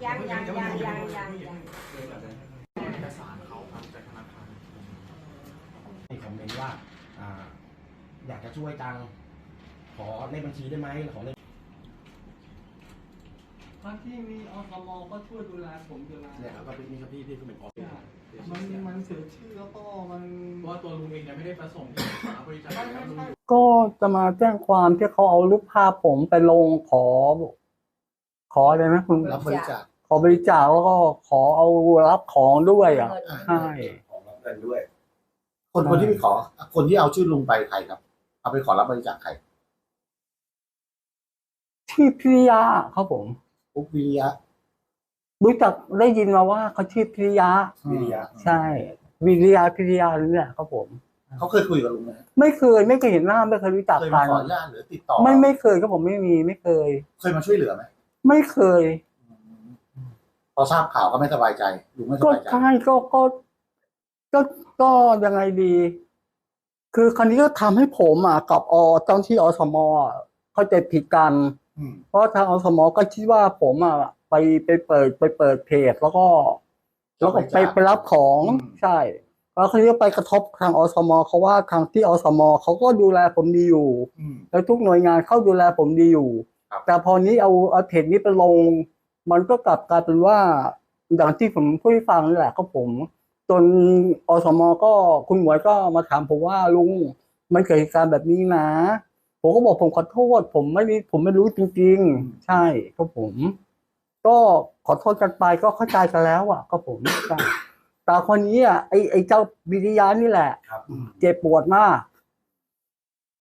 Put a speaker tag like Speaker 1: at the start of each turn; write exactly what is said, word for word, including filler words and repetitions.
Speaker 1: ยังยังยังยังยังยัง
Speaker 2: เอกสารเขาครับจากธนาคาร
Speaker 3: ให้คอมเมนต์ว่าอ่าอยากจะช่วยจังขอเลขบัญชีได้ไหมขอเลข
Speaker 4: ทั้งที่มีอสมก็ช่วยดูแลผมอยู่แล้ว
Speaker 3: เนี่ยครับก็เป็นนี่ครับพี่พี่คือเป็นออฟฟิศ
Speaker 4: มันมันเสียชื่อแล้วก็มัน
Speaker 2: เพราะว่าตัวลุงเองเนี่ยไม่ได้ประสงค์ที่จะหาบริจาคแล้วลุงอยู่
Speaker 4: ก็จะมาแจ้งความที่เขาเอารูปภาพผมไปลงขอ ขออะไรนะคุณ
Speaker 5: รับบริจาค
Speaker 4: ขอบริจาคแล้วก็ขอเอารับของด้วยอ่ะใช่
Speaker 5: ของรับเงินด้วย คนคนที่ไปขอ คนที่เอาชื่อลุงไปใครครับ เอาไปขอรับบริจาคใคร
Speaker 4: ชื่อพิริยะครับผม
Speaker 5: ปุ๊กวิริยะ
Speaker 4: รู้จักได้ยินมาว่าเขาชื่อพิริยะ
Speaker 5: วิริยะ
Speaker 4: ใช่วิริยะพิริยะนี่แหละครับผม
Speaker 5: เขาเคยคุยกับลุงไหม
Speaker 4: ไม่เคยไม่เคยเห็นหน้าไม่เคยรู้จัก
Speaker 5: เคย
Speaker 4: กั
Speaker 5: มาน ขออนุญาตหรือติดต่อ
Speaker 4: ไม่ไม่เคยครับผมไม่มีไม่เคย
Speaker 5: เคยมาช่วยเหลือไหม
Speaker 4: ไม่เคย
Speaker 5: พอทราบข่าวก็ไม่สบายใจลุงไม่ส
Speaker 4: ก็
Speaker 5: บายใจ
Speaker 4: ใช่ก็ก็ก็ก็ยังไงดี คือคราวนี้ก็ทำให้ผมอ่ะกับอเจ้าที่อสมอ่ะเข้าใจผิดกัน
Speaker 5: อืม
Speaker 4: เพราะทางอสมก็คิดว่าผมอ่ะไปไปเปิดไปเปิดเพจแล้วก็ แล้วก็ไปไปรับของใช่แล้วคราวนี้ก็ไปกระทบทางอสมเขาว่าทางที่อสมเขาก็ดูแลผมดีอยู่
Speaker 5: อืม
Speaker 4: แล้วทุกหน่วยงานเข้าดูแลผมดีอยู่
Speaker 5: ครับ
Speaker 4: แต่พอนี้เอาเอาเพจนี้ไปลง มันก็กลับกลายเป็นว่าอย่างที่ผมพูดให้ฟังนี่แหละก็ผม จนอสมก็คุณหมวยก็มาถามผมว่าลุงมันเกิดเหตุการณ์แบบนี้นะ ผมก็บอกผมขอโทษ ผมไม่รู้ผมไม่รู้จริงๆ ใช่ก็ผม ก็ขอโทษกันไปก็เข้าใจกันแล้วอ่ะ ก็ผมใช่แต่คนนี้อ่ะไอไอเจ้าวิริยะนี่แหละ
Speaker 5: ครับอืม
Speaker 4: เจ็บปวดมาก